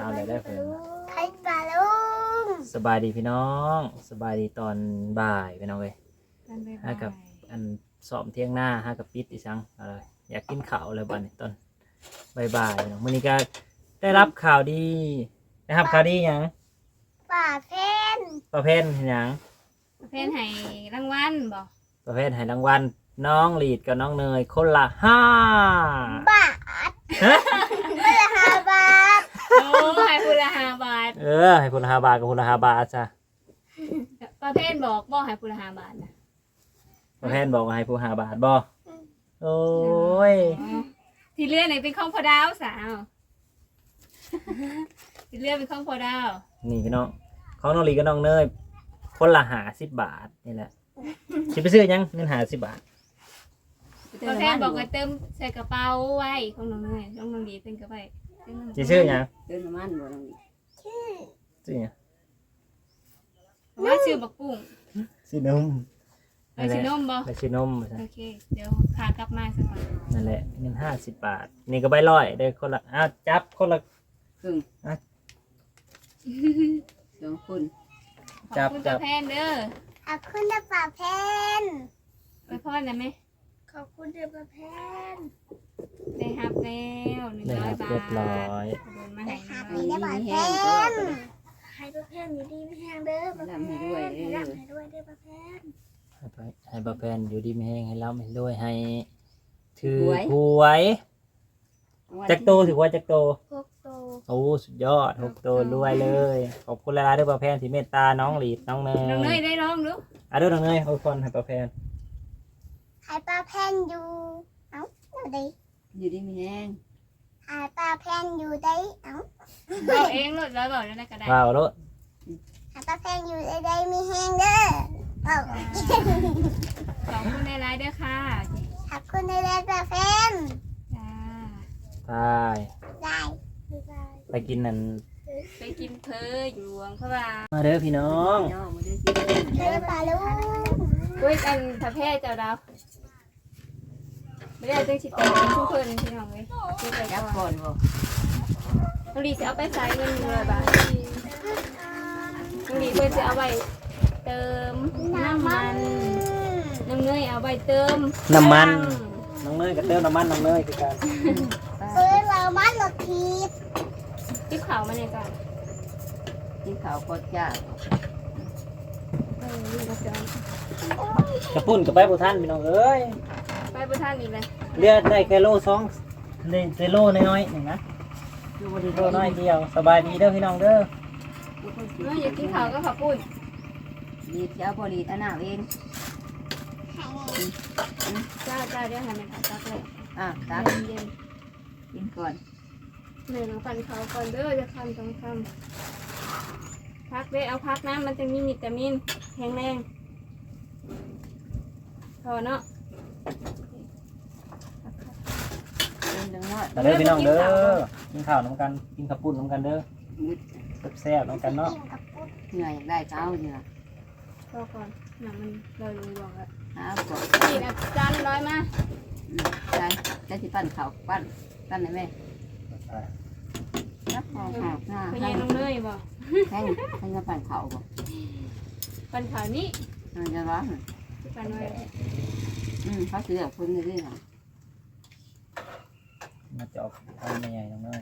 เอาเลยได้เพิ่นไข่ปลาลุงสบายดีพี่น้องสบายดีตอนบ่ายพี่น้องเว้ยกันไปฮากับอันสอบเที่ยงหน้าฮากับปิดอีสังอะไรอยากกินข้าวเลยบัดนี้ตอนบ่ายๆพี่น้องมื้อนี้ก็ได้รับข่าวดีนะครับข่าวดีหยังปลาเพนประเภทหยังประเภทให้รางวัลบ่ประเภทให้รางวัลน้องลีดกับน้องเนยคนละ5 บาทไม่ละ5 บาทโอ้ให้พูละ5 บาทให้คนละ5 บาทกับคนละ5 บาทจ้ะประเภทบอกบ่ให้พูละ5 บาทนะประเภทบอกว่าให้ผู้5 บาทบ่โอ้ยอ๋อที่เลื่อนไหนเป็นของพ่อดาวสาวที่เลื่อนเป็นของพ่อดาวนี่พี่น้องของน้องลีกับน้องเนยคนละ50 บาทนี่แหละสิไปซื้อหยังเงิน50 บาทประเภทบอกว่าเติมใส่กระเป๋าไว้ของน้องเนยของน้องดีเติมกระเป๋าสิซื้อหยังเดินประมาณบ่ต้องซื้อหยังว่าชื่อบักกุ้งซื้อนมไปซื้อนมบ่ไปซื้อนมโอเคเดี๋ยวขากลับมาสักก่อนนั่นแหละเงิน50 บาทนี่ก็ใบร้อยได้คนละจับคนละครึ่งอ่ะสองคนขอบคุณประเภทเด้อขอบคุณนะปลาเพนไปพ่อนะไหมขอบคุณเด้อปลาเพนได้รับแล้ว100 บาทเรียบร้อยโดนมาให้ครับ 100 นี่ได้ปลาเพแห้งก็นให้ปลาเพนอยู่ดีไม่แห้งเด้อปลาเพนให้รับให้ด้วยเด้อปลาเพนให้บาแฟนอยู่ดีไม่แห้งให้เราไม่ด้วยให้ถือหวยจักโตถือว่าจักโตพวกโตโอ้สุดยอด6 โตรวยเลยขอบคุณหลายๆด้วยบาแฟนที่เมตตาน้องหลีดน้องเนยน้องเนยได้ร้องดูด้วยน้องเนยขอบคุณให้บาแฟนให้ปลาเพนอยู่เอ้าอยู่ดีอยู่ดีมีแห้งให้ปลาเพนอยู่ได้เอ้าเราเองรถร้อยบอกแล้วนะก็ได้ว้าวรถให้ปลาเพนอยู่ได้มีแห้งเด้อเอ้าขอบคุณในไลน์ด้วยค่ะขอบคุณในเด้อปลาเพนจ้าไปได้ได้ไปกินนั่นไปกินเพออยู่หลวงพระบางมาเด้อพี่น้องย่อมาได้สิเด้อปลาลุงด้วยกันพระแพทย์เจ้าดาวไม่ได้ตั้งชิตเป็นทุกคนพี่น้องเลยที่ไปจับก่ก่ออน นบ่น้องดีจะเอาไปใส่เงิน100 บาทน้องดีเพื่อจะเอาไปเติมน้ำมันน้ำเนยเอาไปเติมน้ำมันน้องเนยกับเติมน้ำมันน้องเนยคือกันซื้อเรามันรถทีบที่เขามาเนี่ยจ้ะที่เขาก็จ้านี่ก็จะกระปุ่นกับไปบุท่านพี่น้องเอ้ยไปประทานอีกเลยเลือดได้แค่โล2ได้โลน้อยๆหนึ่งนะอยู่บ่ได้โลน้อยเดียวสบายดีเด้อพี่น้องเด้ออยากกินข้าวก็ขับปุ้นดีเจ้าบ่ดีตาหน้าเองจ้าจ้าเดี๋ยวให้มันตักเลยตักเย็นกินก่อนๆหนึ่งฟันเขาก่อนเด้อจะคันต้องคำพักได้เอาพักน้ำมันจะมีวิตามินแข็งแรงพอเนาะเดินจังน้อยแต่เด้อพี่น้องเด้อกินข้าวน้ำกันกินข้าวปุ้นน้ำกันเด้อมุดแซ่บๆน้ำกันเนาะเหนื่อยอยากได้เช้าเหนื่อยพอก่อนหนังมันเราอยู่บอกแล้วหาก่อนนี่นะจานร้อยมาใช่จะสิปั้นข้าวปั้นได้ไหมรับหอมหอมหน้าพให้ยายน้องเนยบอกให้จะปั้นข้าวบ่ปันขาวนี้จะร้อนปันไว้เขาสิเลือกคนนี้ค่ะมาจะออกทำใหญ่ๆน้องเนย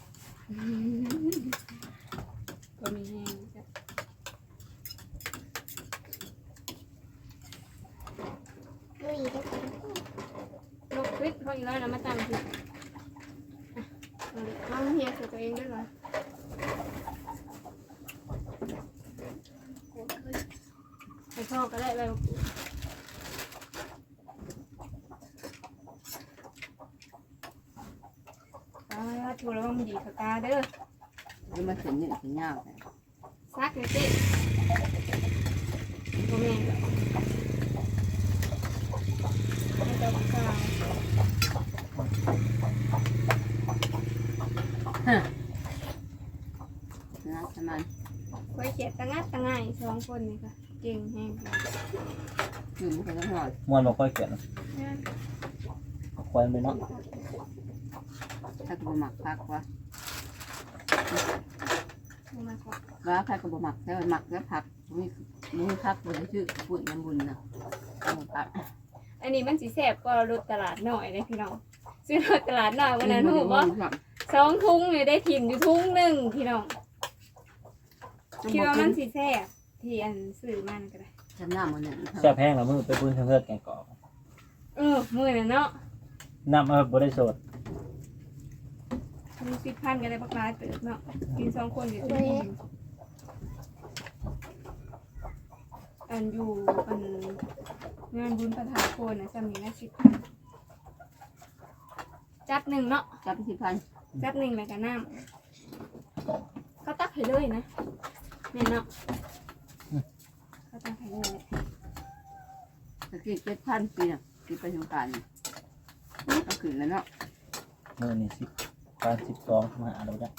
ก็มีแห้งจ้ะลุยได้ลูกคริสเขาอีกแล้วนะมาตามผิดน้องเฮียตัวเองด้วยเหรอไปพ่อก็ได้ไปถูกแล้วมันดีกับตาเด้อแล้วมาถึงนี่ถึงยาวซักเลยสิโมเมนต์ไม่ต้องกล่าวนะประมาณไว้เขียดตั้งง่าย2 คนนี่ค่ะเก่งแห้งอยู่ไม่เคยต้องหอดมวนบ่ค่อยเกลียดควรไปเนาะถ้ากูหมักพักวะว่าใครก็บ่หมักแต่หมักแล้วผักมีผักบ่ได้ชื่อปุ่นน้ำบุญนะผักอันนี้มันสิแซ่บกว่ารถตลาดหน่อยเลยพี่น้องซื้อรถตลาดหน่อยวันนั้นหูว่า2 ถุงเนี่ยได้ถิ่มอยู่ถุงหนึ่งพี่น้องคิดว่ามันสิแซ่บที่อันซื้อมันก็ได้จำหน้ามันเนี่ยแซ่บแห้งแล้วมือไปบุญทางเลือดแกงกอกมื้อนั้นเนาะน้ำบ่ได้สดมี10,000ก็ได้บักหลายเติบเนาะกิน2 คนอยู่ที่อันอยู่อันงานบุญประทานโคนนะจำนี้นะ10,000จับหนึ่งเนาะจับ10,000 จับหนึ่งแล้วก็น้ำเขาตักให้เลยนะเนี่ยเนาะเขาตักให้เลยตะกี้7,000ปีน่ะปีไปสงกรานต์ก็ขึ้นแล้วเนาะมือนี่12มาเราจ้ะ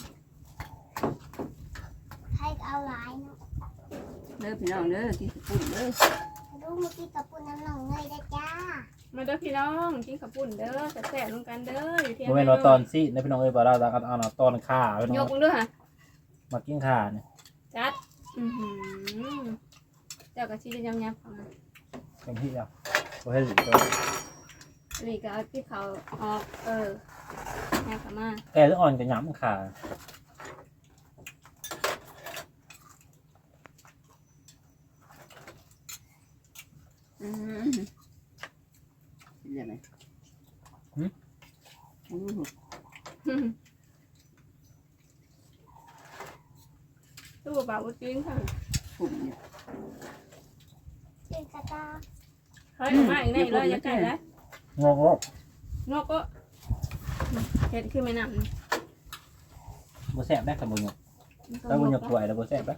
ให้เอาหลายเนาะเด้อพี่น้องเด้อกินปุ่นเด้อดูเมื่อกี้กับปุ่นน้ำหนองเงยได้จ้ามาเด้อพี่น้องกินข้าวปุ้นเด้อแซ่บๆลงกันเด้ออยู่เที่ยงบ่แม่นว่าตอนสินะพี่น้องเอ้ยบ่เราเอาตอนข่าพี่น้ยอก งมึงด้วยค่ะมากินข่าเนี่ยจัดเจ้ากะชีจะยำๆของมันเต็มที่แล้วบ่ให้สิตัวนี่ก็เอาที่เขาออกแนวขามาแกจะอ่อนกับหยำข่าเรียกไหมโอ้โหตู้เบาจริงค่ะปุ่นเนี่ยเป็นกระตาเฮ้ยมาอีกแน่เลยยังไงแล้วงอกนกก็เห็ดขึ้นไม่นำบ่แซ่บได้กับบ่หยกถ้าบ่หยกถ้วยแล้วบ่แซ่บได้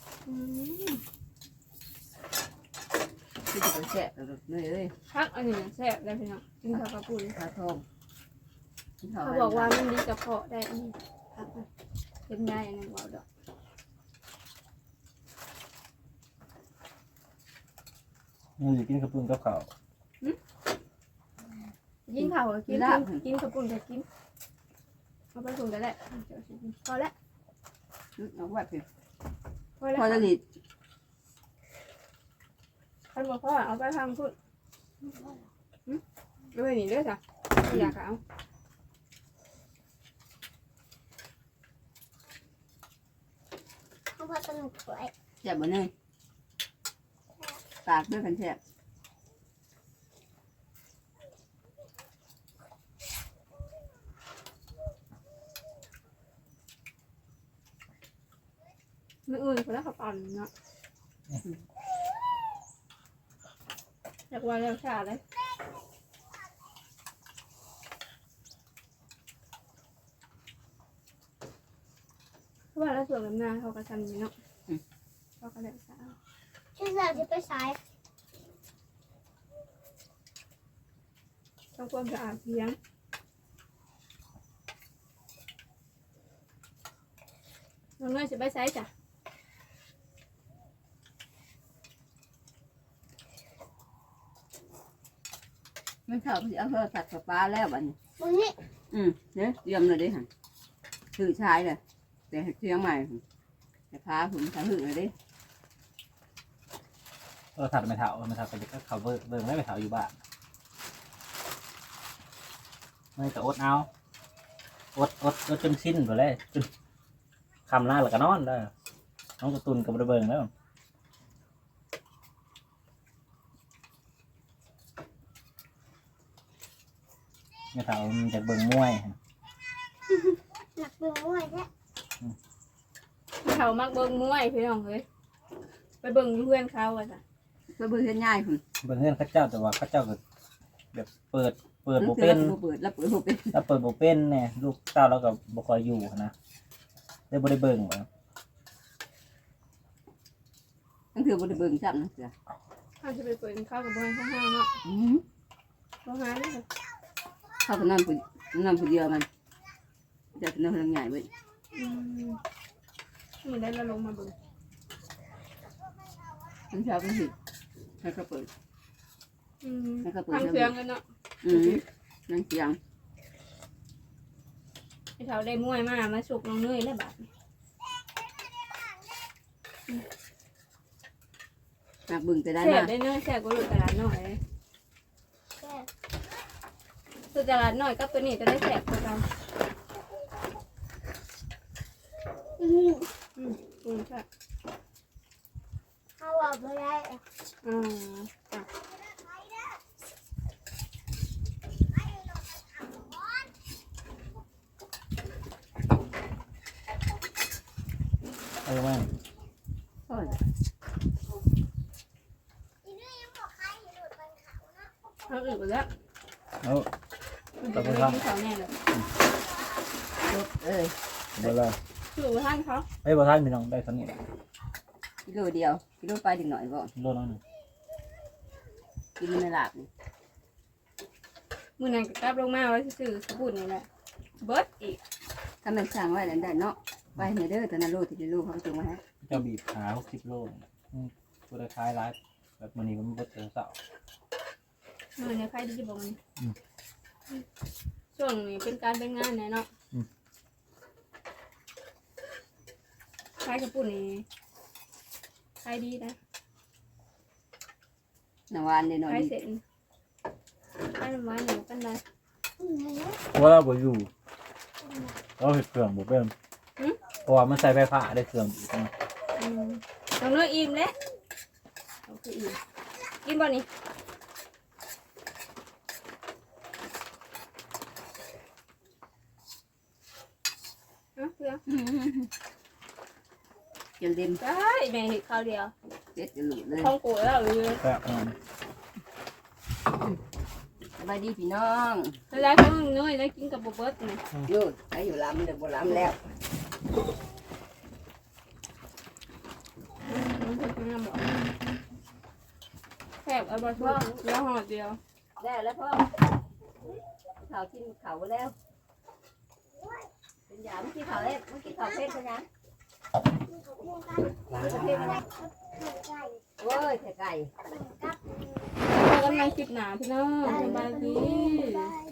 ที่จะไปแฉะเลยเอ้ยพักอันนี้แซ่บได้พี่น้องกินข้าวกระปุ้นปลาทองกินข้าวเขาบอกว่ามันดีกระเพาะได้อันนี้พักเป็นได้อันนั้นว่าดอกมึงสิกินกับปุ้นกับข้าวกินข้าวกินกินกระปุ้นก็กินเอาไปถุงก็ได้พอแล้วน้องแบบเพียพอแล้วพอจะหลีดท่านบอกพ่อเอาไปทำพุ่นด้วยนี่ด้วยจ้ะอยากเอาเพราะว่าสนุกสวยแฉะบนเนยตากด้วยกันแฉะไม่อื่นคนละขับอ่อนเนาะอยากว่าแล้วชาเลยเพราะว่าแล้วส่วนลำหน้าเขาก็ทำอย่างนี้เนาะเขาก็แล้วชาชื่อเราจะไปสายต้องความสะอาดเพียงน้องเนยจะไปไซส์จ้ะไม่ชอบที่เอาโทรศัพท์กับปลาแล้วบัดนี้มึงนี่เนี่ยเตรียมเลยดิฮะถือชายเลยแต่เชียงใหม่แต่พาผมทำหึงเลยดิถัดไม่เท่าก็จะเข้าเบิ่งได้ไม่เท่าอยู่บ้านไม่ก็อดเอาอดจนสิ้นไปเลยจนคำล่าแล้วก็นอนได้น้องกระตุนกับระเบิงแล้วไม่เท่ามันจะเบิ่งมวยหนักเบื่อมวยแท้เขามักเบิ่งมวยพี่น้องเลยไปเบิ่งเพื่อนเขาอะจ้ะก็เบื่อง่ายผมเบิ่งเงื่อนข้าเจ้าแต่ว่าข้าเจ้าก็แบบเปิดโบเปิเป็นเปิดแล้วเปิดโบเป็นถ้าเปิดโบเป็นเนี่ยลูกเต้าเราก็บ่คอยอยู่นะได้บ่ได้เบิ่งบ่นั่นคือบริเบิงจับนะเสือเขาจะไปเปิดข้าวกับเพื่อนข้างๆเนาะข้างๆนี่ค่ะเข้าไปนอนผู้เดียวมันจะนอนใหญ่ไว้มันได้ละลงมาเบิ่งมันชอบมันหิให้เขาเปิดทางเครื่องกันเนาะนั่งเสียงไอ้เขาได้มวยมาสุกน้องเนยแล้วบัดนักบึงจะได้แซ่มาบได้เนอะแซ่บกว่าลูกตลาดน้อยเลยแซ่บลูกตลาดน้อยกับตัวนี้จะได้แซ่บกว่ากันอืมใช่เขาบอกไม่ได้อืมอ่ะเออแม่โอ้ยอีนี่ยังบอกใครอย่าหลุดบนเขานะเอาอื่นไปแล้วเอามันจะไม่กินเขาแน่เลยจบเอ้ยเบอร์เลยคือท่านเขาไอ้ยบ่ทันพี่น้องได้สำเนียงกิโลเดียวกิโลไปถึงหน่อยบ่โลน้อยหนึ่งกินในหลาบนี่มือนั้นก็กลับลงมาไว้ซื่อๆสบู่นี่แหละเบิร์ดอีกถ้ามันสั่งไว้แล้วได้เนาะไปในเด้อตอนนั้นโลที่ได้โลเขาจุงมาให้เจ้าบีบหา60 โลตัวได้คล้ายร้ายแบบมันนี่มันบ่เจอเสามือในใครดีบอกมันช่วงนี้เป็นการเป็นงานแน่เนาะใครกระปุ่นนี่ใครดีนะหนาวานเลยหน่อยใครเสร็จใครมาหนูกันได้เพราะว่าเราบ่อยู่เราเห็ดเครื่องบ่เป็นเพราะว่ามันใส่ไฟฟ้าได้เครื่องอีกนะน้องเลือกอิ่มแล้วโอเคอิ่มกินบ่นี่เพื่อเจียวเต็มใช่แม่เห็ดข้าวเดียวเจ็ดจะหลุดเลยท้องกูแล้วเลยแซ่บมากสบายดีพี่น้องแล้วก็มึงน้อยแล้วกินกับโบเบิร์ตนี่อยู่ใครอยู่ลำเดี๋ยวบ่ลำแล้วแซ่บเอาบะทุกแล้วห่อเดียวได้แล้วพ่อข่าวกินข่าวแล้วเป็นยาเมื่อกี้ข่าวเล็บเมื่อกี้ข่าวเพชรเป็นยัง โอ้ยไก่พอกันในคลิปหนาพี่น้องสบายดีบ๊ายบาย